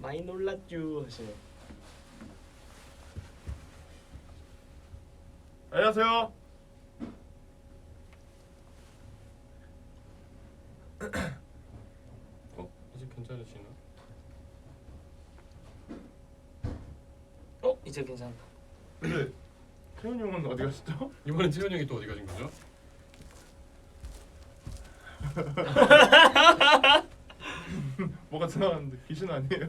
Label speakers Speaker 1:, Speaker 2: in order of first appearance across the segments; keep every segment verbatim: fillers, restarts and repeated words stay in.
Speaker 1: 많이 놀랐쥬 하시네.
Speaker 2: 안녕하세요.
Speaker 3: 어? 이제 괜찮으시나?
Speaker 1: 어 이제 괜찮다.
Speaker 2: 근데 태훈이 형은 어디 가셨죠?
Speaker 3: 이번엔 채훈 형이 또 어디 가신 거죠?
Speaker 2: 뭐가 지나갔는데 귀신 아니에요?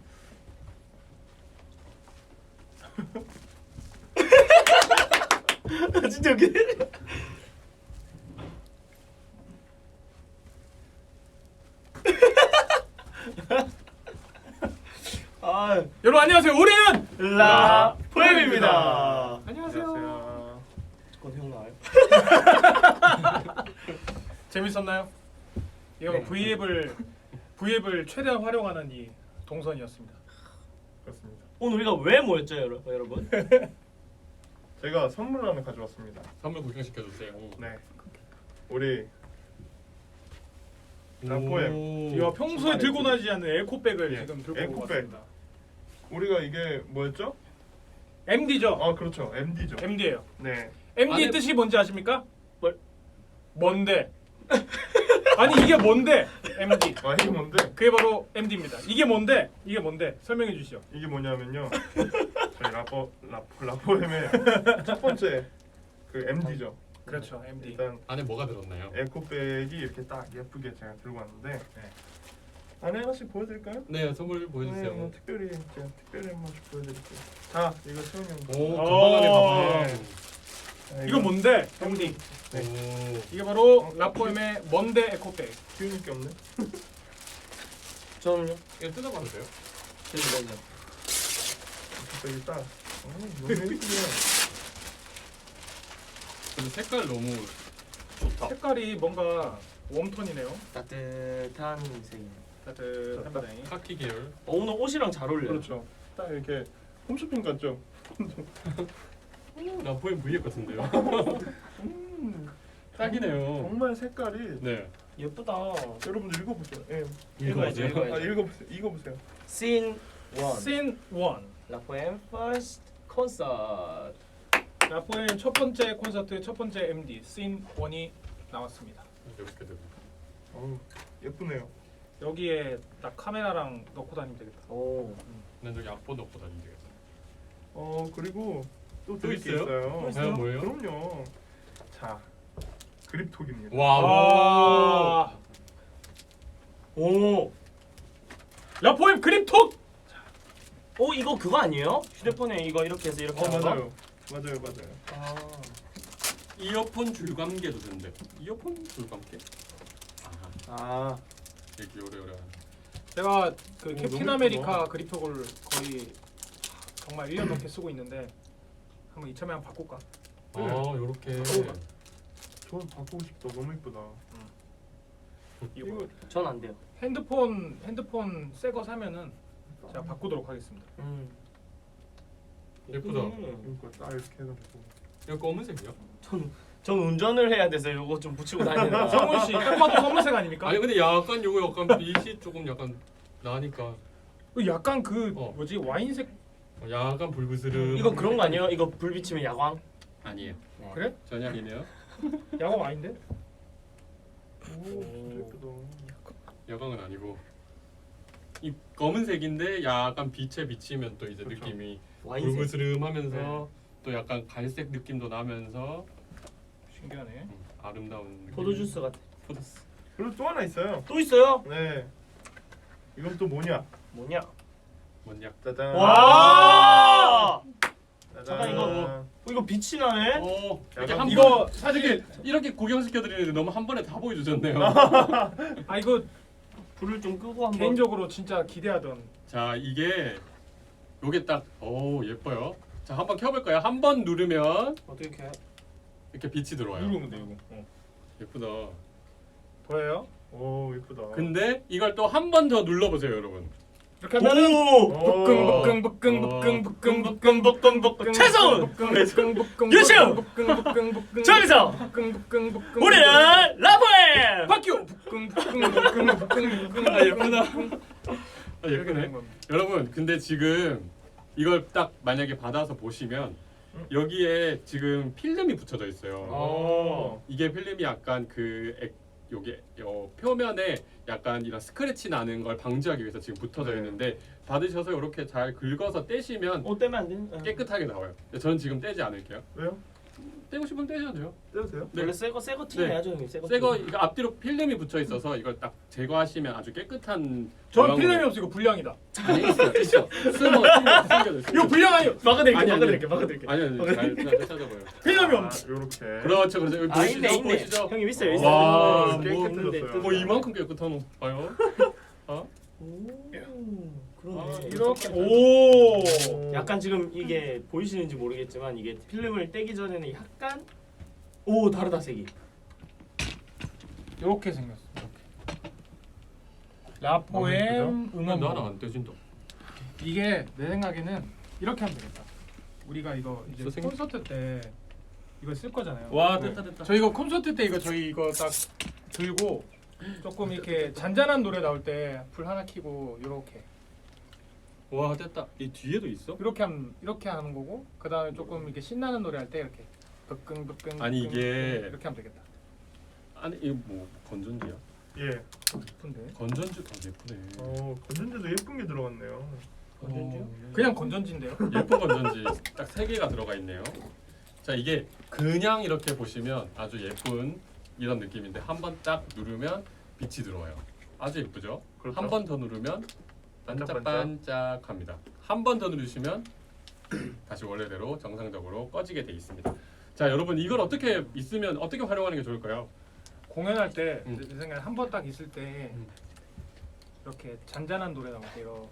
Speaker 1: 진짜 웃기네. 아,
Speaker 4: 여러분 안녕하세요. 우리는
Speaker 1: 라 포엠입니다.
Speaker 4: 안녕하세요.
Speaker 1: 그건 형 나와요?
Speaker 4: 재밌었나요? 이거
Speaker 1: 네.
Speaker 4: V앱을 V앱을 최대한 활용하는 이 동선이었습니다.
Speaker 2: 그렇습니다.
Speaker 1: 오늘 우리가 왜 모였죠, 여러- 여러분?
Speaker 2: 제가 선물 하나 가져왔습니다.
Speaker 3: 선물 구경시켜 주세요.
Speaker 2: 네. 우리 라포엠.
Speaker 3: 오.
Speaker 4: 이거 평소에
Speaker 2: 주말에
Speaker 4: 들고
Speaker 2: 그-
Speaker 4: 다니지 않는 에코백을
Speaker 2: 예,
Speaker 4: 지금 들고
Speaker 2: 에코백.
Speaker 4: 왔습니다.
Speaker 2: 우리가 이게 뭐였죠?
Speaker 4: 엠디죠?
Speaker 2: 아 그렇죠. 엠디죠.
Speaker 4: 엠디예요.
Speaker 2: 네.
Speaker 4: 엠디의
Speaker 3: 안에-
Speaker 4: 뜻이 뭔지 아십니까?
Speaker 1: 뭘?
Speaker 4: 뭔데? 아니 이게 뭔데? 엠디.
Speaker 2: 아 이게 뭔데?
Speaker 4: 그게 바로 엠디입니다. 이게 뭔데? 이게 뭔데? 설명해 주시죠.
Speaker 2: 이게 뭐냐면요. 저희 라포 라포 라포엠의 첫 번째 그 엠디죠.
Speaker 4: 그렇죠. 엠디.
Speaker 2: 일단
Speaker 3: 안에 뭐가 들었나요?
Speaker 2: 에코백이 이렇게 딱 예쁘게 제가 들고 왔는데 안에 하나씩 보여드릴까요?
Speaker 3: 네, 선물 보여주세요.
Speaker 2: 네, 뭐 특별히 제가 특별히 한 번씩 보여드릴게요. 자, 이거 태훈이 형.
Speaker 3: 오,
Speaker 4: 오.
Speaker 3: 가방 안에 가방.
Speaker 2: 네. 자,
Speaker 4: 이거 뭔데? 엠디.
Speaker 3: 오.
Speaker 4: 이게 바로 라포엠의 뭔데 에코백.
Speaker 2: 기운이 게 없네.
Speaker 1: 저는요?
Speaker 3: 이거 뜯어봐도 돼요?
Speaker 1: 저는 먼저.
Speaker 2: 에코백이 딱. 어, 너무 예쁘네.
Speaker 3: 근데 색깔 너무
Speaker 1: 좋다.
Speaker 4: 색깔이 뭔가 웜톤이네요.
Speaker 1: 따뜻한 색이네.
Speaker 4: 따뜻합니다.
Speaker 3: 카키 계열.
Speaker 1: 어, 오늘 옷이랑 잘 어울려요.
Speaker 2: 그렇죠. 딱 이렇게 홈쇼핑 같죠?
Speaker 3: 오, 라포엠 V앱 같은데요?
Speaker 2: 음,
Speaker 3: 딱이네요.
Speaker 2: 정말 색깔이.
Speaker 3: 네.
Speaker 1: 예쁘다.
Speaker 2: 여러분들 읽어보세요. 예.
Speaker 1: 읽어야죠, 읽어야죠.
Speaker 2: 아 읽어보세요. 읽어보세요.
Speaker 1: Scene one.
Speaker 4: 씬 원.
Speaker 1: 라포엠 first concert.
Speaker 4: 라포엠 첫 번째 콘서트 첫 번째 엠디 씬 원이 나왔습니다.
Speaker 3: 이렇게 들어.
Speaker 2: 어우 예쁘네요.
Speaker 4: 여기에 딱 카메라랑 넣고 다니면 되겠다.
Speaker 1: 오.
Speaker 3: 난 저기 악보 넣고 다니면 되겠다.
Speaker 2: 어 그리고 또
Speaker 3: 또
Speaker 2: 드릴 게
Speaker 3: 있어요?
Speaker 2: 있어요.
Speaker 3: 또 있어요? 뭐예요?
Speaker 2: 그럼요. 자 그립톡입니다.
Speaker 3: 와.
Speaker 4: 아,
Speaker 1: 오.
Speaker 4: 라포엠 그립톡.
Speaker 1: 오 이거 그거 아니에요? 휴대폰에 이거 이렇게 해서 이렇게
Speaker 2: 어
Speaker 1: 하는 거?
Speaker 2: 맞아요. 맞아요 맞아요.
Speaker 1: 아.
Speaker 3: 이어폰 줄감개도 된대. 이어폰 줄감개? 아하.
Speaker 1: 아.
Speaker 3: 이렇게 오래오래.
Speaker 4: 제가 그
Speaker 2: 오,
Speaker 4: 캡틴
Speaker 2: 너무
Speaker 4: 아메리카
Speaker 2: 예쁘다.
Speaker 4: 그립톡을 거의 정말 일 년 넘게 쓰고 있는데 한번 이참에 한번 바꿀까?
Speaker 3: 아, 요렇게.
Speaker 2: 어. 저는 바꾸고 싶다. 너무 예쁘다.
Speaker 4: 이거
Speaker 1: 전 안 돼요.
Speaker 4: 핸드폰 핸드폰 새 거 사면은 제가 바꾸도록 하겠습니다.
Speaker 1: 음.
Speaker 3: 예쁘다.
Speaker 1: 음.
Speaker 2: 이거 딱 이렇게 해가지고.
Speaker 3: 이거 검은색이요?
Speaker 1: 전, 전 운전을 해야 돼서 이거 좀 붙이고 다니는.
Speaker 4: 성훈 씨, 딱 봐도 검은색 아닙니까?
Speaker 3: 아니 근데 약간 요거 약간 빛이 조금 약간 나니까
Speaker 4: 그 약간 그
Speaker 3: 어.
Speaker 4: 뭐지 와인색
Speaker 3: 어, 약간 불그스름.
Speaker 1: 이거 그런 거 아니에요? 이거 불 비치면 야광?
Speaker 3: 아니에요.
Speaker 1: 네.
Speaker 4: 그래?
Speaker 3: 전혀 아니네요.
Speaker 4: 야광 아닌데?
Speaker 2: 오 진짜 예쁘다.
Speaker 3: 야광은 아니고 이 검은색인데 약간 빛에 비치면 또 이제
Speaker 2: 그렇죠.
Speaker 3: 느낌이
Speaker 1: 와인색.
Speaker 3: 불그스름하면서
Speaker 2: 네.
Speaker 3: 또 약간 갈색 느낌도 나면서
Speaker 4: 신기하네.
Speaker 3: 음, 아름다운 느낌.
Speaker 1: 포도주스 같아.
Speaker 3: 포도주스.
Speaker 2: 그리고 또 하나 있어요.
Speaker 1: 또 있어요?
Speaker 2: 네. 이건 또 뭐냐?
Speaker 1: 뭐냐?
Speaker 3: 뭔 약?
Speaker 2: 짜잔.
Speaker 1: 와!
Speaker 2: 짜잔.
Speaker 1: 잠깐, 이거 뭐- 어, 이거 빛이 나네?
Speaker 3: 오, 이렇게
Speaker 2: 약간
Speaker 3: 한
Speaker 4: 이거
Speaker 3: 번-
Speaker 4: 사실
Speaker 3: 이렇게 구경시켜 드리는데 너무 한 번에 다 보여주셨네요.
Speaker 4: 아 이거
Speaker 1: 불을 좀 끄고 한번.
Speaker 4: 개인적으로 진짜 기대하던
Speaker 3: 자 이게 요게 딱 오 예뻐요. 자 한번 켜볼까요? 한 번 누르면
Speaker 1: 어떻게 해?
Speaker 3: 이렇게 빛이 들어와요.
Speaker 2: 누르면 돼 이거. 어.
Speaker 3: 예쁘다.
Speaker 4: 보여요?
Speaker 2: 오 예쁘다.
Speaker 3: 근데 이걸 또 한 번 더 눌러보세요, 여러분.
Speaker 4: 이렇게 하면은
Speaker 1: 오!
Speaker 4: 북근 북근 북근 북근 북근 북근 북근 북근
Speaker 1: 최선!
Speaker 4: 북근 북근
Speaker 1: 유시우!
Speaker 4: 북근 북근 북근
Speaker 1: 저기서!
Speaker 4: 북근 북근 북근
Speaker 1: 우리는 라포엠!
Speaker 4: 박규 북근 북근 북근 북근 북근
Speaker 3: 아, 예쁘다. 아,
Speaker 4: 이렇게
Speaker 3: 예쁘네.
Speaker 4: 되는 겁니다.
Speaker 3: 여러분 근데 지금 이걸 딱 만약에 받아서 보시면
Speaker 2: 음.
Speaker 3: 여기에 지금 필름이 붙여져 있어요.
Speaker 2: 어.
Speaker 3: 이게 필름이 약간 그 액, 여기 어, 표면에 약간 이런 스크래치 나는 걸 방지하기 위해서 지금 붙어져
Speaker 2: 네.
Speaker 3: 있는데 받으셔서 이렇게 잘 긁어서 떼시면
Speaker 1: 어 떼면 안 돼? 어.
Speaker 3: 깨끗하게 나와요. 저는 지금 떼지 않을게요.
Speaker 2: 왜요?
Speaker 3: 떼고 싶으면 떼셔도 돼요.
Speaker 2: 떼도 돼요?
Speaker 3: 네.
Speaker 1: 원래 새거 새거 티
Speaker 3: 네.
Speaker 1: 내야죠 형님. 새거.
Speaker 3: 새거 이거 앞뒤로 필름이 붙여 있어서 이걸 딱 제거하시면 아주 깨끗한
Speaker 4: 전
Speaker 3: 모양으로-
Speaker 4: 필름이 없어 이거 불량이다.
Speaker 3: 아니 있어 있어 숨어 숨겨 숨겨져
Speaker 4: 이거 불량 아니요.
Speaker 1: 막아드릴게
Speaker 3: 아니, 아니.
Speaker 1: 막아드릴게 막아드릴게.
Speaker 3: 아니 아니 잘, 잘 찾아봐요.
Speaker 4: 필름이
Speaker 2: 아,
Speaker 4: 없어.
Speaker 2: 요렇게.
Speaker 3: 그렇죠 그렇죠 여기
Speaker 1: 아
Speaker 3: 보시죠
Speaker 1: 있네 있네.
Speaker 3: 보시죠.
Speaker 1: 형님 있어요 있어요.
Speaker 3: 와,
Speaker 1: 있는데
Speaker 3: 뭐
Speaker 1: 있는데
Speaker 2: 깨끗해졌어요.
Speaker 3: 뭐 이만큼 깨끗한 거 봐요. 어?
Speaker 1: 오
Speaker 3: 아,
Speaker 1: 그러네.
Speaker 4: 이렇게 오.
Speaker 1: 약간 지금 이게 보이시는지 모르겠지만 이게 필름을 떼기 전에는 약간 오 다르다 색이.
Speaker 4: 이렇게 생겼어. 이렇게. 라포엠
Speaker 3: 음, 나 하나
Speaker 4: 응원.
Speaker 3: 안 떼진다.
Speaker 4: 이게 내 생각에는 이렇게 하면 되겠다. 우리가 이거 이제
Speaker 3: 선생님?
Speaker 4: 콘서트 때 이거 쓸 거잖아요.
Speaker 3: 와
Speaker 4: 네.
Speaker 3: 됐다 됐다.
Speaker 4: 저 이거 콘서트 때 이거 저희 이거 딱 들고 조금 이렇게 잔잔한 노래 나올 때 불 하나 켜고 이렇게
Speaker 3: 와 됐다. 이 뒤에도 있어?
Speaker 4: 이렇게 하면 이렇게 하는 거고 그 다음에 조금 이렇게 신나는 노래 할 때 이렇게 덕근 덕근
Speaker 3: 아니,
Speaker 4: 덕근,
Speaker 3: 이게-
Speaker 4: 덕근 이렇게 하면 되겠다.
Speaker 3: 아니 이거 뭐 건전지야?
Speaker 2: 예.
Speaker 4: 예쁜데
Speaker 3: 건전지 더 예쁘네.
Speaker 2: 어, 건전지도 예쁜 게 들어갔네요.
Speaker 1: 건전지요?
Speaker 4: 그냥 건전지인데요.
Speaker 3: 예쁜 건전지 딱 세 개가 들어가 있네요. 자 이게 그냥 이렇게 보시면 아주 예쁜 이런 느낌인데 한 번 딱 누르면 빛이 들어와요. 아주 예쁘죠?
Speaker 2: 그렇죠.
Speaker 3: 한 번 더 누르면 반짝반짝합니다. 한 번 더 누르시면 다시 원래대로 정상적으로 꺼지게 돼 있습니다. 자 여러분 이걸 어떻게 있으면 어떻게 활용하는 게 좋을까요?
Speaker 4: 공연할 때
Speaker 3: 음.
Speaker 4: 내 생각에 한 번 딱 있을 때
Speaker 3: 음.
Speaker 4: 이렇게 잔잔한 노래 나올 때 이렇게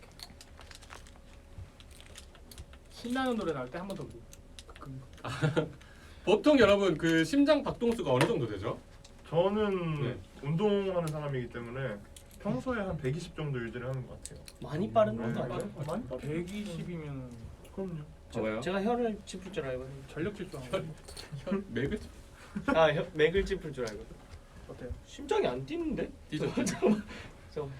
Speaker 4: 신나는 노래 나올 때 한 번 더 그,
Speaker 3: 보통 여러분 그 심장 박동수가 어느 정도 되죠?
Speaker 2: 저는
Speaker 3: 네.
Speaker 2: 운동하는 사람이기 때문에 평소에 한 백이십 정도 유지를 하는 것 같아요.
Speaker 1: 많이 빠른
Speaker 2: 네.
Speaker 1: 것도 아니에요?
Speaker 2: 많이 빠르-
Speaker 4: 백이십이면
Speaker 2: 그럼요.
Speaker 3: 봐봐요.
Speaker 1: 제가 혀를 짚을 줄 알고.
Speaker 4: 전력 질주하는 거
Speaker 3: 혈 맥을
Speaker 1: 아 혀, 맥을 짚을 줄 알고.
Speaker 4: 어때요?
Speaker 1: 심장이 안 뛰는데?
Speaker 3: 뛰죠.
Speaker 1: 잠깐만. 잠깐만.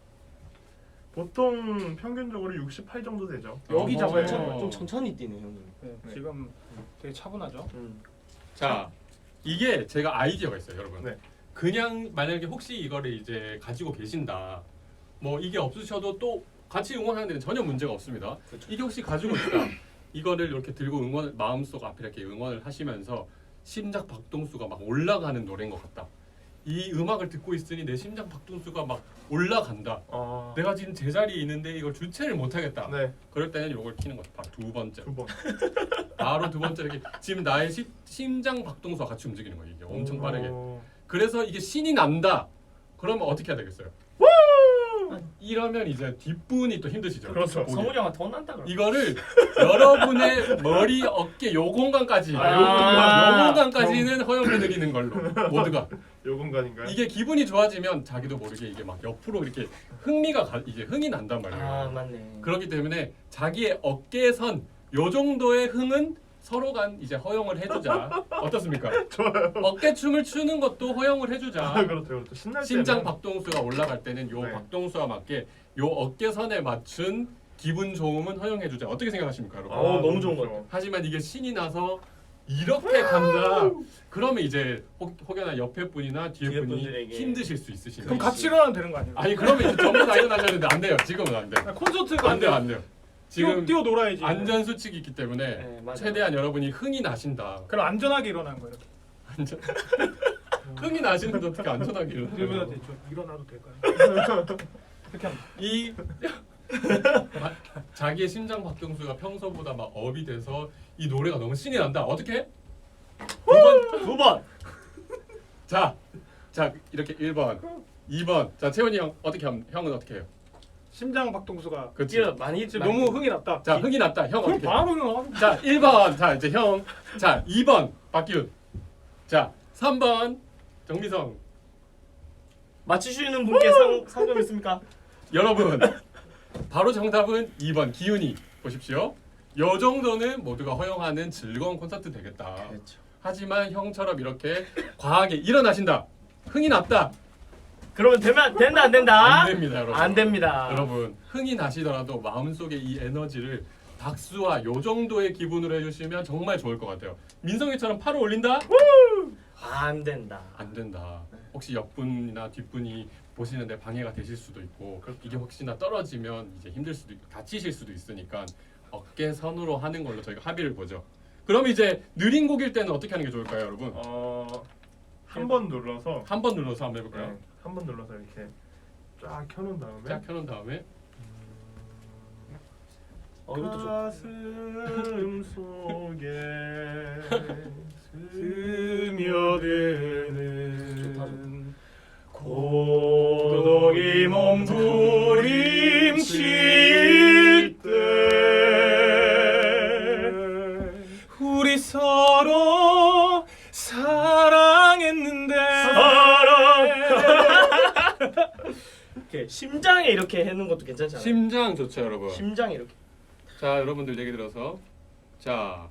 Speaker 2: 보통 평균적으로 육십팔 정도 되죠.
Speaker 4: 여기
Speaker 3: 어허.
Speaker 4: 잡아야
Speaker 1: 좀,
Speaker 3: 어.
Speaker 1: 좀 천천히 뛰네 형님.
Speaker 4: 네,
Speaker 2: 네.
Speaker 4: 지금 되게 차분하죠.
Speaker 1: 음.
Speaker 3: 자 이게 제가 아이디어가 있어요 여러분.
Speaker 2: 네.
Speaker 3: 그냥 만약에 혹시 이거를 이제 가지고 계신다. 뭐 이게 없으셔도 또 같이 응원하는 데는 전혀 문제가 없습니다.
Speaker 1: 그렇죠.
Speaker 3: 이게 혹시 가지고 있다. 이거를 이렇게 들고 응원 마음속 앞에 이렇게 응원을 하시면서 심장 박동수가 막 올라가는 노래인 것 같다. 이 음악을 듣고 있으니 내 심장 박동수가 막 올라간다.
Speaker 2: 아,
Speaker 3: 내가 지금 제자리에 있는데 이걸 주체를 못 하겠다.
Speaker 2: 네,
Speaker 3: 그럴 때는 이걸 키는 거죠. 바로 두 번째.
Speaker 2: 두 번.
Speaker 3: 바로 두 번째 이렇게 지금 나의 시, 심장 박동수와 같이 움직이는 거예요. 이게 엄청 빠르게.
Speaker 2: 어,
Speaker 3: 그래서 이게 신이 난다. 그러면 어떻게 해야 되겠어요? 이러면 이제 뒷분이 또 힘드시죠.
Speaker 2: 그렇죠.
Speaker 3: 보기.
Speaker 1: 성훈이 형한테 혼난다 그럼.
Speaker 3: 이거를 여러분의 머리, 어깨 요 공간까지,
Speaker 2: 아,
Speaker 3: 요 공간, 요 공간까지는 허용해 드리는 걸로 모두가.
Speaker 2: 요 공간인가요?
Speaker 3: 이게 기분이 좋아지면 자기도 모르게 이게 막 옆으로 이렇게 흥미가 가, 이게 흥이 난단 말이에요.
Speaker 1: 아 맞네.
Speaker 3: 그렇기 때문에 자기의 어깨선 요 정도의 흥은 서로 간 이제 허용을 해주자. 어떻습니까?
Speaker 2: 좋아요.
Speaker 3: 어깨춤을 추는 것도 허용을 해주자.
Speaker 2: 아, 그렇죠, 그렇죠. 신날
Speaker 3: 심장
Speaker 2: 때는
Speaker 3: 박동수가 올라갈 때는 요
Speaker 2: 네.
Speaker 3: 박동수와 맞게 요 어깨선에 맞춘 기분 좋음은 허용해주자. 어떻게 생각하십니까, 여러분?
Speaker 2: 아,
Speaker 1: 어, 너무 좋은 것
Speaker 2: 좋죠.
Speaker 1: 같아요.
Speaker 3: 하지만 이게 신이 나서 이렇게 간다. 그러면 이제 혹, 혹여나 옆에 분이나 뒤에,
Speaker 1: 뒤에
Speaker 3: 분이
Speaker 1: 분들에게
Speaker 3: 힘드실 수 있으시니까.
Speaker 4: 그럼 같이 일어나면 되는 거 아니에요?
Speaker 3: 아니 그러면 이제 전부 다 일어나셔야 되는데 안 돼요. 지금은 안 돼.
Speaker 4: 아, 콘서트가
Speaker 3: 안 돼요, 안 돼요. 지금
Speaker 4: 뛰어, 뛰어 놀아야지.
Speaker 3: 안전 수칙이 있기 때문에
Speaker 1: 네, 맞아요.
Speaker 3: 최대한 여러분이 흥이 나신다.
Speaker 4: 그럼 안전하게 일어나는 거예요. 이렇게.
Speaker 3: 안전. 흥이 나시는데 어떻게 안전하게
Speaker 4: 이러면
Speaker 3: 일어나요?
Speaker 4: 돼. 저 일어나도 될까요? 이렇게 하면
Speaker 3: 이 마- 자기의 심장 박동수가 평소보다 막 업이 돼서 이 노래가 너무 신이 난다. 어떻게 해? 두 번.
Speaker 1: 두 번.
Speaker 3: 자, 자 이렇게 일 번, 이 번. 자 채원이 형 어떻게 함, 형은 어떻게 해요?
Speaker 4: 심장 박동수가
Speaker 3: 그렇지.
Speaker 1: 뛰어 많이
Speaker 4: 지금
Speaker 1: 많이-
Speaker 4: 너무 흥이 났다.
Speaker 3: 자 흥이 났다. 형
Speaker 4: 그럼
Speaker 3: 어떻게? 해?
Speaker 4: 바로 일어나.
Speaker 3: 자 일 번. 자 이제 형. 자 이 번 박기훈. 자 삼 번 정미성.
Speaker 1: 맞추시는 분께 상 상금 있습니까?
Speaker 3: 여러분 바로 정답은 이 번 기훈이 보십시오. 요 정도는 모두가 허용하는 즐거운 콘서트 되겠다.
Speaker 1: 그렇죠.
Speaker 3: 하지만 형처럼 이렇게 과하게 일어나신다. 흥이 났다.
Speaker 1: 그러면 되면 된다 안 된다?
Speaker 3: 안 됩니다, 여러분.
Speaker 1: 안 됩니다.
Speaker 3: 여러분 흥이 나시더라도 마음속에 이 에너지를 박수와 요 정도의 기분으로 해주시면 정말 좋을 것 같아요. 민성이처럼 팔을 올린다?
Speaker 1: 안 된다.
Speaker 3: 안 된다. 혹시 옆분이나 뒷분이 보시는데 방해가 되실 수도 있고 이게 혹시나 떨어지면 이제 힘들 수도 있고 다치실 수도 있으니까 어깨 선으로 하는 걸로 저희가 합의를 보죠. 그럼 이제 느린 곡일 때는 어떻게 하는 게 좋을까요, 여러분?
Speaker 2: 어한 번 눌러서
Speaker 3: 한 번 눌러서 한번 해볼까요?
Speaker 2: 네, 한 번 눌러서 이렇게 쫙 켜놓은 다음에
Speaker 3: 쫙 켜놓은 다음에
Speaker 1: 어 이것도 좋.
Speaker 2: 가슴 속에
Speaker 4: 스며드는
Speaker 1: 고독이 몸부림칠 때
Speaker 4: 우리 서로 사랑했는데
Speaker 1: 이렇게 심장에 이렇게 해는 것도 괜찮잖아요.
Speaker 3: 심장 좋죠, 여러분.
Speaker 1: 심장 이렇게.
Speaker 3: 자, 여러분들 얘기 들어서 자,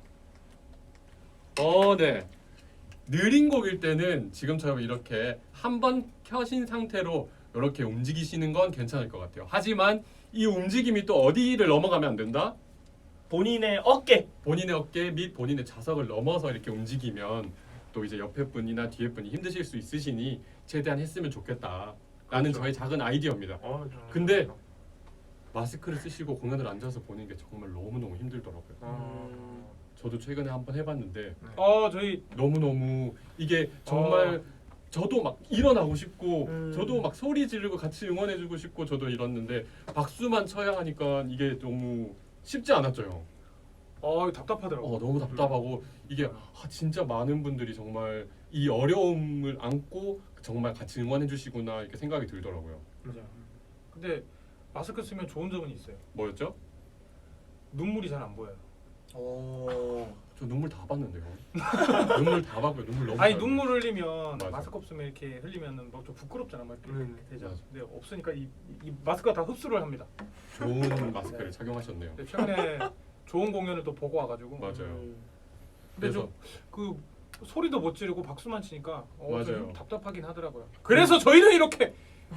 Speaker 3: 어, 네. 느린 곡일 때는 지금처럼 이렇게 한 번 켜신 상태로 이렇게 움직이시는 건 괜찮을 것 같아요. 하지만 이 움직임이 또 어디를 넘어가면 안 된다?
Speaker 1: 본인의 어깨.
Speaker 3: 본인의 어깨 및 본인의 자석을 넘어서 이렇게 움직이면 또 이제 옆에 분이나 뒤에 분이 힘드실 수 있으시니 최대한 했으면 좋겠다라는
Speaker 2: 그렇죠.
Speaker 3: 저의 작은 아이디어입니다.
Speaker 2: 어,
Speaker 3: 근데 마스크를 쓰시고 공연을 앉아서 보는 게 정말 너무너무 힘들더라고요.
Speaker 2: 어,
Speaker 3: 저도 최근에 한번 해봤는데
Speaker 4: 어 저희
Speaker 3: 너무너무 이게 정말 저도 막 일어나고 싶고
Speaker 1: 음.
Speaker 3: 저도 막 소리 지르고 같이 응원해주고 싶고 저도 이랬는데 박수만 쳐야 하니까 이게 너무 쉽지 않았죠, 형.
Speaker 4: 어 답답하더라고.
Speaker 3: 어, 너무 답답하고 이게 아, 진짜 많은 분들이 정말 이 어려움을 안고 정말 같이 응원해주시구나 이렇게 생각이 들더라고요.
Speaker 4: 맞아. 근데 마스크 쓰면 좋은 점은 있어요.
Speaker 3: 뭐였죠?
Speaker 4: 눈물이 잘 안 보여요.
Speaker 1: 오.
Speaker 3: 저 눈물 다 봤는데요. 눈물 다 봤고요. 눈물 너무
Speaker 4: 아니
Speaker 3: 잘
Speaker 4: 눈물 흘리면
Speaker 3: 맞아.
Speaker 4: 마스크 없으면 이렇게 흘리면은 뭐 좀 부끄럽잖아, 막 이렇게
Speaker 2: 음,
Speaker 4: 되죠.
Speaker 3: 맞아.
Speaker 4: 근데 없으니까 이, 이 마스크가 다 흡수를 합니다.
Speaker 3: 좋은 마스크를 착용하셨네요.
Speaker 4: 근데 최근에 좋은 공연을 또 보고 와가지고.
Speaker 3: 맞아요.
Speaker 1: 음.
Speaker 4: 근데
Speaker 3: 그래서
Speaker 4: 좀 그 소리도 못 지르고 박수만 치니까 어,
Speaker 3: 맞아요.
Speaker 4: 좀 답답하긴 하더라고요. 그래서 저희는 이렇게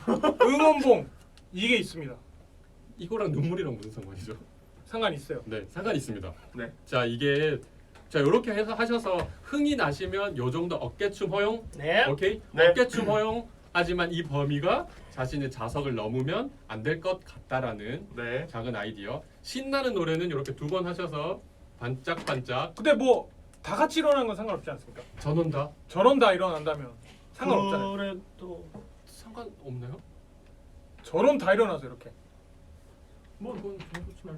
Speaker 4: 응원봉 이게 있습니다.
Speaker 3: 이거랑 눈물이랑 무슨 상관이죠?
Speaker 4: 상관 있어요.
Speaker 3: 네, 상관 있습니다.
Speaker 2: 네.
Speaker 3: 자, 이게 자 이렇게 해서 하셔서 흥이 나시면 요 정도 어깨춤 허용,
Speaker 1: 네.
Speaker 3: 오케이?
Speaker 2: 네.
Speaker 3: 어깨춤 허용. 하지만 이 범위가 자신의 자석을 넘으면 안 될 것 같다라는
Speaker 2: 네.
Speaker 3: 작은 아이디어. 신나는 노래는 이렇게 두 번 하셔서 반짝반짝
Speaker 4: 근데 뭐 다 같이 일어나는 건 상관없지 않습니까?
Speaker 3: 전원다.
Speaker 4: 저런 다 일어난다면 상관없잖아요.
Speaker 1: 그래도
Speaker 3: 상관없나요?
Speaker 4: 저런 다 일어나서 이렇게.
Speaker 3: 뭐 그건 좀 그렇지만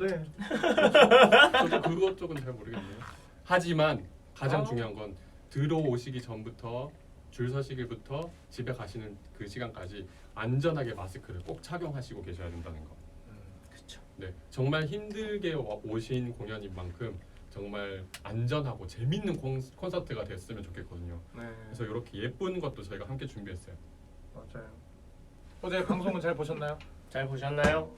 Speaker 2: 네.
Speaker 3: 저도 그것 쪽은 잘 모르겠네요. 하지만 가장
Speaker 4: 아.
Speaker 3: 중요한 건 들어오시기 전부터 줄 서시기부터 집에 가시는 그 시간까지 안전하게 마스크를 꼭 착용하시고 계셔야 된다는 거.
Speaker 1: 그렇죠.
Speaker 3: 네, 정말 힘들게 와- 오신 공연인 만큼 정말 안전하고 재밌는 콘, 콘서트가 됐으면 좋겠거든요.
Speaker 2: 네.
Speaker 3: 그래서 이렇게 예쁜 것도 저희가 함께 준비했어요.
Speaker 2: 맞아요.
Speaker 4: 어제 방송은 잘 보셨나요?
Speaker 1: 잘 보셨나요?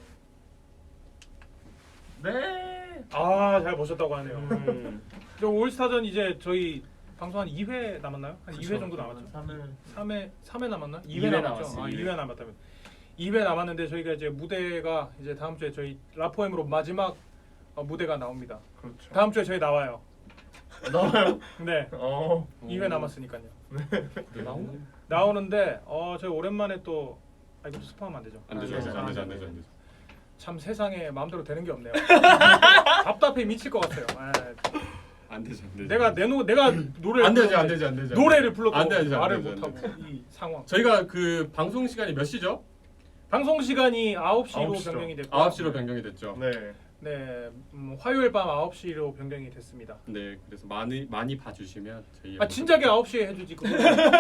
Speaker 2: 네.
Speaker 4: 아 잘 보셨다고 하네요.
Speaker 1: 음.
Speaker 4: 저 올스타전 이제 저희 방송 한 이 회 남았나요? 한 이 회 정도 남았죠?
Speaker 2: 삼 회.
Speaker 4: 삼 회 삼 회 남았나?
Speaker 1: 이
Speaker 4: 이 회
Speaker 1: 회
Speaker 4: 남았죠.
Speaker 1: 남았어요,
Speaker 4: 아,
Speaker 1: 이
Speaker 4: 이
Speaker 1: 회.
Speaker 4: 회 남았다면. 이 회 남았는데 저희가 이제 무대가 이제 다음 주에 저희 라포엠으로 마지막 어, 무대가 나옵니다.
Speaker 2: 그렇죠.
Speaker 4: 다음 주에 저희 나와요.
Speaker 2: 나와요.
Speaker 4: 네.
Speaker 2: 어.
Speaker 4: 이 회 남았으니까요.
Speaker 3: 나오나?
Speaker 4: 나오는데 어 저희 오랜만에 또 아, 이것도 스포하면 안 되죠.
Speaker 3: 안 되죠,
Speaker 1: 안
Speaker 3: 안
Speaker 1: 되죠,
Speaker 3: 되죠, 안
Speaker 1: 안
Speaker 3: 되죠, 안
Speaker 1: 되죠.
Speaker 3: 되죠, 안 되죠.
Speaker 4: 참 세상에 마음대로 되는 게 없네요. 답답해 미칠 것 같아요. 아,
Speaker 3: 안 되죠, 안 되죠.
Speaker 4: 내가 내노 내가 노래를
Speaker 3: 안 되죠,
Speaker 4: 불렀는데
Speaker 3: 안 되죠, 안 되죠.
Speaker 4: 노래를 불러도
Speaker 3: 안 되죠, 안
Speaker 4: 말을
Speaker 3: 되죠, 안
Speaker 4: 못하고 이 상황.
Speaker 3: 저희가 그 방송 시간이 몇 시죠?
Speaker 4: 방송 시간이 아홉 시로
Speaker 2: 아홉 시죠.
Speaker 4: 변경이 됐고
Speaker 3: 아홉 시로 변경이 됐죠.
Speaker 2: 네.
Speaker 4: 네, 음, 화요일 밤 아홉 시로 변경이 됐습니다.
Speaker 3: 네, 그래서 많이 많이 봐주시면 저희
Speaker 4: 아 진작에 아홉 시에 해주지 그거.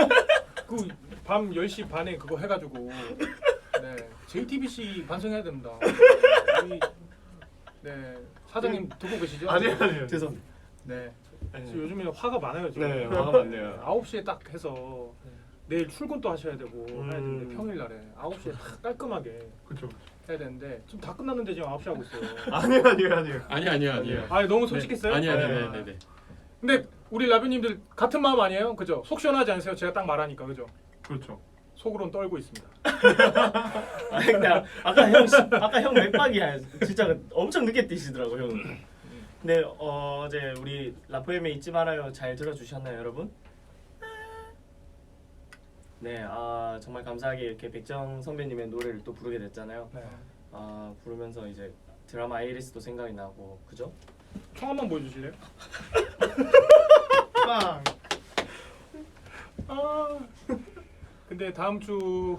Speaker 4: 그밤 열 시 반에 그거 해가지고 네 제이티비씨 반성해야 됩니다. 우리, 네 사장님 듣고 계시죠?
Speaker 2: 아니요, 아니요.
Speaker 1: 죄송합니다.
Speaker 4: 네.
Speaker 1: 네.
Speaker 4: 지금 요즘에 화가 많아요 지금.
Speaker 1: 네, 화가 많네요.
Speaker 4: 아홉 시에 딱 해서 내일 출근도 하셔야 되고
Speaker 1: 음.
Speaker 4: 해야 되는데 평일날에 아홉 시에 딱 깔끔하게
Speaker 2: 그렇죠.
Speaker 4: 해야 되는데 지금 다 끝났는데 지금 아홉 시 하고 있어요.
Speaker 2: 아니요, 아니요, 아니요.
Speaker 3: 아니 아니요 아니요.
Speaker 4: 아 너무 솔직했어요?
Speaker 3: 아니 아니
Speaker 2: 네.
Speaker 3: 네, 네, 네.
Speaker 4: 근데 우리 라뷰님들 같은 마음 아니에요? 그죠? 속 시원하지 않으세요? 제가 딱 말하니까 그죠?
Speaker 2: 그렇죠.
Speaker 4: 속으론 떨고 있습니다.
Speaker 1: 아 근데 아까 형 시- 아까 형 맥박이야. 진짜 엄청 늦게 뛰시더라고 형은. 근데 어, 어제 우리 라포엠에 잊지 말아요 잘 들어주셨나요 여러분? 네, 아 정말 감사하게 이렇게 백정 선배님의 노래를 또 부르게 됐잖아요.
Speaker 4: 네.
Speaker 1: 아 부르면서 이제 드라마 아이리스도 생각이 나고 그죠?
Speaker 4: 총 한번 보여주실래요?
Speaker 2: 빵.
Speaker 4: 아 근데 다음 주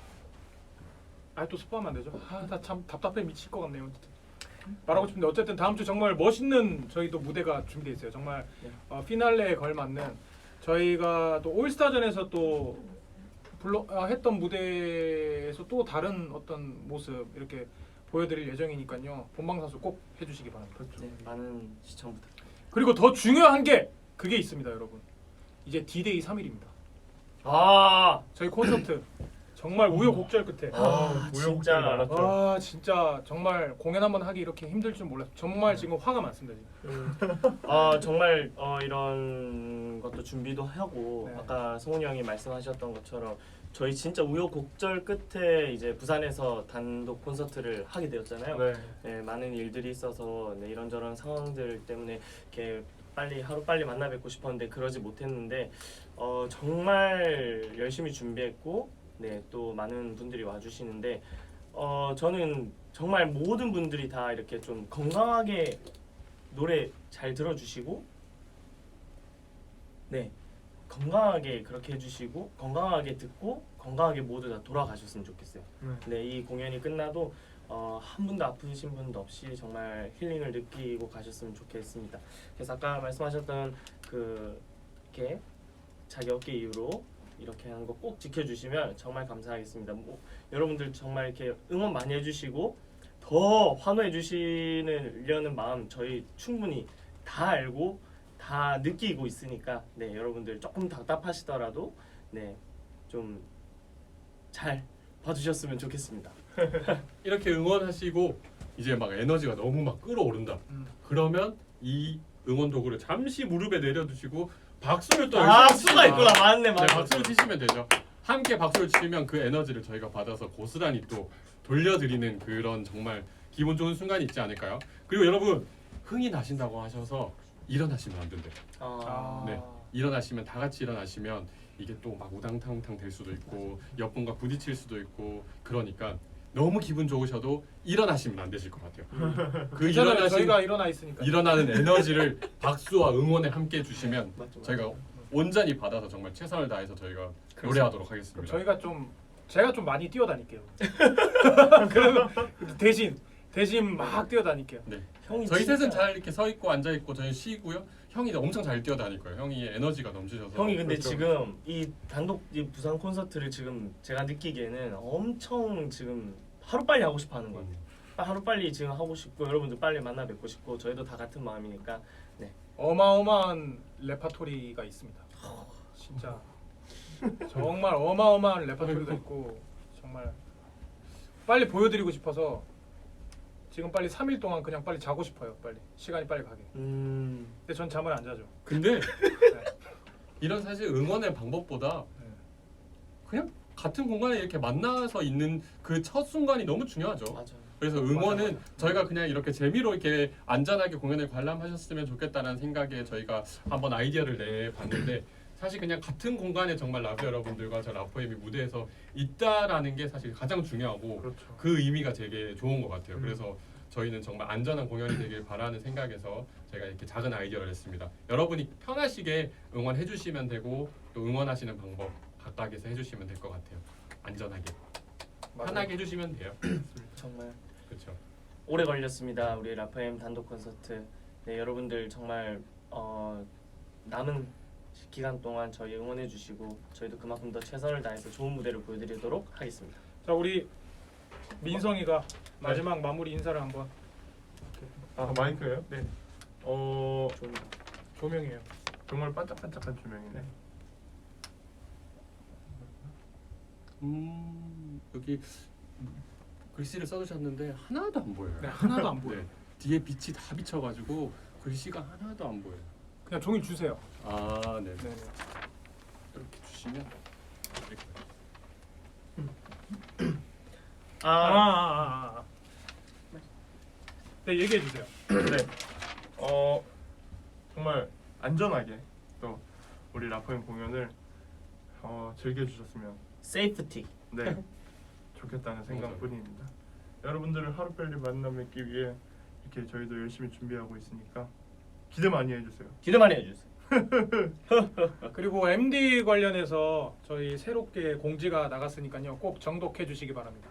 Speaker 4: 아 또 스포하면 안 되죠? 아나 참 답답해 미칠 것 같네요. 진짜. 말하고 싶은데 어쨌든 다음 주 정말 멋있는 저희도 무대가 준비돼 있어요. 정말
Speaker 1: 네.
Speaker 4: 어, 피날레에 걸맞는 저희가 또 올스타전에서 또 불러 아, 했던 무대에서 또 다른 어떤 모습 이렇게 보여드릴 예정이니까요. 본방사수 꼭 해주시기 바랍니다.
Speaker 1: 네, 많은 시청 부탁드립니다.
Speaker 4: 그리고 더 중요한 게 그게 있습니다, 여러분. 이제 D-Day 삼 일입니다.
Speaker 1: 아,
Speaker 4: 저희 콘서트 정말 우여곡절 끝에
Speaker 1: 아,
Speaker 2: 우여곡절이
Speaker 1: 진짜.
Speaker 2: 많았죠.
Speaker 4: 아 진짜 정말 공연 한번 하기 이렇게 힘들 줄 몰랐어요. 정말 지금 화가 많습니다. 지금.
Speaker 1: 아 정말 어, 이런 것도 준비도 하고
Speaker 4: 네.
Speaker 1: 아까 성훈이 형이 말씀하셨던 것처럼 저희 진짜 우여곡절 끝에 이제 부산에서 단독 콘서트를 하게 되었잖아요.
Speaker 2: 네.
Speaker 1: 네, 많은 일들이 있어서 네, 이런저런 상황들 때문에 이렇게 빨리 하루 빨리 만나 뵙고 싶었는데 그러지 못했는데 어, 정말 열심히 준비했고 네, 또 많은 분들이 와주시는데 어, 저는 정말 모든 분들이 다 이렇게 좀 건강하게 노래 잘 들어주시고 네 건강하게 그렇게 해주시고 건강하게 듣고 건강하게 모두 다 돌아가셨으면 좋겠어요.
Speaker 2: 네.
Speaker 1: 네, 이 공연이 끝나도 어, 한 분도 아프신 분도 없이 정말 힐링을 느끼고 가셨으면 좋겠습니다. 그래서 아까 말씀하셨던 그 이렇게 자기 어깨 이후로 이렇게 하는 거 꼭 지켜주시면 정말 감사하겠습니다. 뭐, 여러분들 정말 이렇게 응원 많이 해주시고 더 환호해 주시려는 마음 저희 충분히 다 알고 다 느끼고 있으니까 네 여러분들 조금 답답하시더라도 네 좀 잘 봐주셨으면 좋겠습니다.
Speaker 3: 이렇게 응원하시고 이제 막 에너지가 너무 막 끌어오른다.
Speaker 4: 음.
Speaker 3: 그러면 이 응원 도구를 잠시 무릎에 내려두시고 박수를 또
Speaker 1: 아
Speaker 3: 열심히
Speaker 1: 수가
Speaker 3: 치시면-
Speaker 1: 있구나 맞네
Speaker 3: 네,
Speaker 1: 맞네.
Speaker 3: 박수를 치시면 되죠. 함께 박수를 치면 그 에너지를 저희가 받아서 고스란히 또 돌려드리는 그런 정말 기분 좋은 순간이 있지 않을까요? 그리고 여러분 흥이 나신다고 하셔서 일어나시면 안 된대요.
Speaker 1: 아,
Speaker 3: 네. 일어나시면 다 같이 일어나시면 이게 또 막 우당탕탕 될 수도 있고 옆분과 부딪힐 수도 있고 그러니까 너무 기분 좋으셔도 일어나시면 안 되실 것 같아요. 그
Speaker 4: 괜찮아요.
Speaker 3: 일어나신
Speaker 4: 저희가 일어나 있으니까.
Speaker 3: 일어나는 에너지를 박수와 응원에 함께 해주시면
Speaker 1: 맞죠, 맞죠.
Speaker 3: 저희가 온전히 받아서 정말 최선을 다해서 저희가 노래하도록
Speaker 4: 그럼
Speaker 3: 하겠습니다.
Speaker 4: 저희가 좀 제가 좀 많이 뛰어다닐게요. 그러면 대신 대신 막 뛰어다닐게요.
Speaker 3: 네.
Speaker 1: 형이
Speaker 3: 저희
Speaker 1: 진짜-
Speaker 3: 셋은 잘 이렇게 서 있고 앉아 있고 저희 쉬고요. 형이 엄청 잘 뛰어다닐 거예요. 형이 에너지가 넘치셔서.
Speaker 1: 형이 근데
Speaker 2: 그렇죠.
Speaker 1: 지금 이 단독 이 부산 콘서트를 지금 제가 느끼기에는 엄청 지금 하루 빨리 하고 싶어 하는 것 같아요. 하루 빨리 지금 하고 싶고 여러분들 빨리 만나 뵙고 싶고 저희도 다 같은 마음이니까
Speaker 4: 어마어마한 레파토리가 있습니다. 진짜 정말 어마어마한 레파토리가 있고 정말 빨리 보여드리고 싶어서 지금 빨리 삼 일 동안 그냥 빨리 자고 싶어요. 빨리 시간이 빨리 가게.
Speaker 1: 음
Speaker 4: 근데 전 잠을 안 자죠.
Speaker 3: 근데 이런 사실 응원의 방법보다
Speaker 4: 네.
Speaker 3: 그냥 같은 공간에 이렇게 만나서 있는 그 첫 순간이 너무 중요하죠.
Speaker 1: 맞아.
Speaker 3: 그래서 응원은
Speaker 4: 맞아, 맞아.
Speaker 3: 저희가 그냥 이렇게 재미로 이렇게 안전하게 공연을 관람하셨으면 좋겠다는 생각에 저희가 한번 아이디어를 내봤는데 사실 그냥 같은 공간에 정말 라브 여러분들과 저 라포엠이 무대에서 있다라는 게 사실 가장 중요하고
Speaker 2: 그렇죠.
Speaker 3: 그 의미가 되게 좋은 것 같아요.
Speaker 2: 음.
Speaker 3: 그래서 저희는 정말 안전한 공연이 되길 바라는 생각에서 제가 이렇게 작은 아이디어를 냈습니다. 여러분이 편하시게 응원해 주시면 되고 또 응원하시는 방법 각각에서 해주시면 될 것 같아요. 안전하게
Speaker 4: 맞아요.
Speaker 3: 편하게 해주시면 돼요.
Speaker 1: 정말
Speaker 3: 그렇죠.
Speaker 1: 오래 걸렸습니다. 우리 라파엠 단독 콘서트. 네 여러분들 정말 어, 남은 기간 동안 저희 응원해 주시고 저희도 그만큼 더 최선을 다해서 좋은 무대를 보여드리도록 하겠습니다.
Speaker 4: 자 우리 민성이가 마지막 마무리 인사를 한번.
Speaker 2: 아 마이크예요?
Speaker 4: 네.
Speaker 2: 어
Speaker 1: 좀
Speaker 4: 조명이에요.
Speaker 2: 정말 반짝반짝한 조명이네.
Speaker 3: 음 여기 글씨를 써주셨는데 하나도 안 보여요.
Speaker 4: 네, 하나도 안 보여.
Speaker 3: 네, 뒤에 빛이 다 비쳐가지고 글씨가 하나도 안 보여요.
Speaker 4: 그냥 종이 주세요.
Speaker 3: 아 네.
Speaker 4: 네.
Speaker 3: 이렇게 주시면 이렇게.
Speaker 4: 아,
Speaker 1: 아,
Speaker 4: 아, 아, 아. 네, 얘기해 주세요.
Speaker 2: 네. 어 정말 안전하게 또 우리 라포엠 공연을 어, 즐겨주셨으면
Speaker 1: 세이프티.
Speaker 2: 네 좋겠다는 생각뿐입니다. 여러분들을 하루 빨리 만나 뵙기 위해 이렇게 저희도 열심히 준비하고 있으니까 기대 많이 해주세요.
Speaker 1: 기대 많이 해주세요.
Speaker 4: 그리고 엠디 관련해서 저희 새롭게 공지가 나갔으니까요. 꼭 정독해 주시기 바랍니다.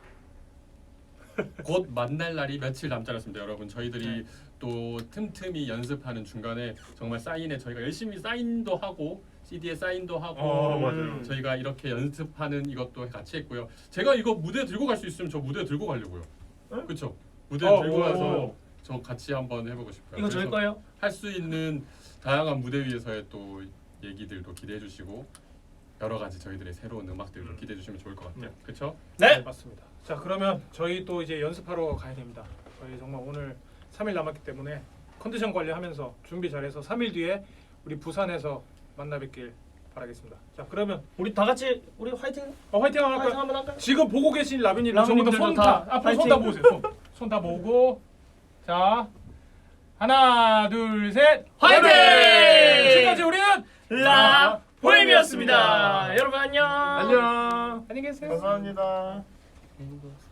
Speaker 3: 곧 만날 날이 며칠 남지 않았습니다, 여러분. 저희들이
Speaker 4: 네.
Speaker 3: 또 틈틈이 연습하는 중간에 정말 사인에 저희가 열심히 사인도 하고 씨디에 사인도 하고
Speaker 2: 어,
Speaker 1: 맞아요.
Speaker 3: 저희가 이렇게 연습하는 이것도 같이 했고요. 제가 이거 무대에 들고 갈 수 있으면 저 무대에 들고 가려고요.
Speaker 2: 네?
Speaker 3: 그렇죠? 무대에
Speaker 4: 어,
Speaker 3: 들고
Speaker 4: 오,
Speaker 3: 가서
Speaker 4: 오.
Speaker 3: 저 같이 한번 해보고 싶어요.
Speaker 1: 이거 저희 거예요?
Speaker 3: 할 수 있는 다양한 무대 위에서의 또 얘기들도 기대해 주시고 여러 가지 저희들의 새로운 음악들도
Speaker 2: 음.
Speaker 3: 기대해 주시면 좋을 것 같아요.
Speaker 2: 네.
Speaker 3: 그렇죠?
Speaker 1: 네.
Speaker 4: 맞습니다. 자, 그러면 저희 또 이제 연습하러 가야 됩니다. 저희 정말 오늘 삼 일 남았기 때문에 컨디션 관리하면서 준비 잘해서 삼 일 뒤에 우리 부산에서 만나 뵙길 바라겠습니다. 자, 그러면
Speaker 1: 우리 다 같이 우리 화이팅.
Speaker 4: 어, 화이팅 한번
Speaker 1: 화이팅
Speaker 4: 할까요?
Speaker 1: 한번 할까요?
Speaker 4: 지금 보고 계신 라빈님,
Speaker 1: 라빈님들도
Speaker 4: 손
Speaker 1: 다
Speaker 4: 다 앞으로 손 다
Speaker 1: 화이팅.
Speaker 4: 모으세요. 손. 손 다 모으고 자, 하나, 둘, 셋.
Speaker 1: 화이팅!
Speaker 4: 지금까지 우리는
Speaker 1: 라 포엠이었습니다. 여러분 안녕.
Speaker 2: 안녕.
Speaker 4: 안녕히 계세요.
Speaker 2: 감사합니다.
Speaker 1: 네.